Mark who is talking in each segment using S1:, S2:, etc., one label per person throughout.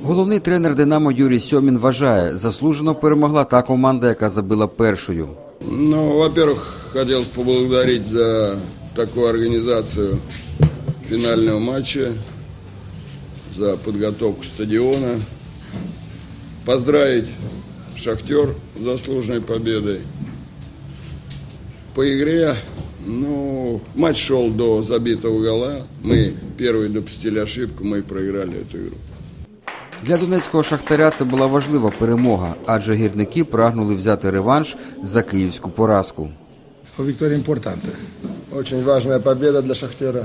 S1: Головний тренер «Динамо» Юрій Сьомін вважає, заслужено перемогла та команда, яка забила першою.
S2: Во-первых, хотелось поблагодарить за такую организацию финального матча, за подготовку стадиона, поздравить «Шахтер» с заслуженной победой. По игре, матч шел до забитого гола, мы первые допустили ошибку, мы проиграли эту игру.
S1: Для донецького «Шахтаря» це була важлива перемога, адже гірники прагнули взяти реванш за київську поразку.
S3: Victoria importantă.
S4: Очень важная победа для «Шахтера».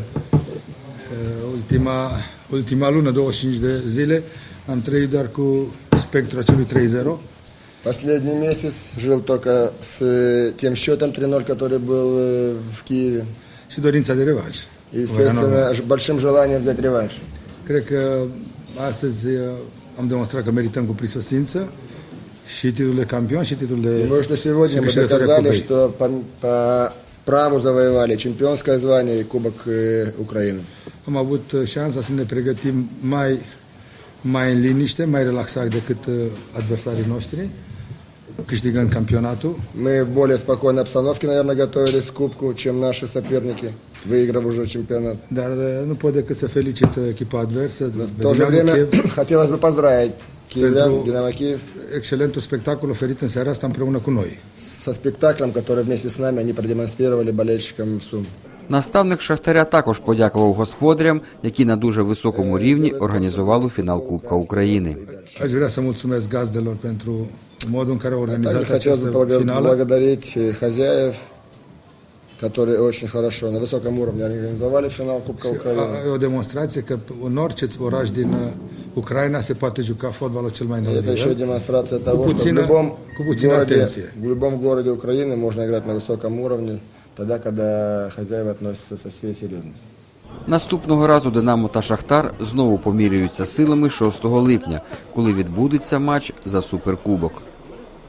S3: Ultima lună, 25 de zile, am trăit doar cu spectrul acelui 3-0.
S4: Последний месяц жил только с тем счетом 3-0, который был в Киеве.
S3: Și dorința de revanș.
S4: И, естественно, большим желанием взять реванш.
S3: Cred că astăzi am demonstrat că merităm cu prisosință și titlul de campion și titlul de...
S4: Думаю, что сегодня мы доказали, что по праву завоевали чемпионское звание и Кубок Украины.
S3: Am avut șansa să ne pregătim mai în liniște, mai relaxat decât adversarii noștri, câștigând campionatul.
S4: Мы в более спокойной обстановке, наверное, готовились к Кубку, чем наши соперники, выиграв уже чемпионат.
S3: Dar nu pot decât să felicit echipa adversă.
S4: В то же время хотелось бы поздравить киевлян, Динамо Киев,
S3: excelentul spectacol oferit în seara asta împreună cu noi.
S4: со спектаклем, который вместе с нами они продемонстрировали болельщикам Сум.
S1: Наставник «Шахтаря» також подякував господарям, які на дуже високому рівні організували фінал Кубка України.
S3: Aș vrea să mulțumesc gazdelor pentru modul în care au organizat
S4: Также хотелось бы
S3: această finală.
S4: благодарить хозяев, которые очень хорошо, на высоком уровне организовали финал Кубка Украины.
S3: E o demonstrație că în orice oraș din Ucraina se poate juca fotbalul cel mai înalt
S4: Это еще
S3: nivel.
S4: демонстрация того, что в любом городе Украины можно играть на высоком уровне, тогда, когда хозяева относятся со всей серьезностью.
S1: Наступного разу «Динамо» та «Шахтар» знову поміряються силами 6 липня, коли відбудеться матч за Суперкубок.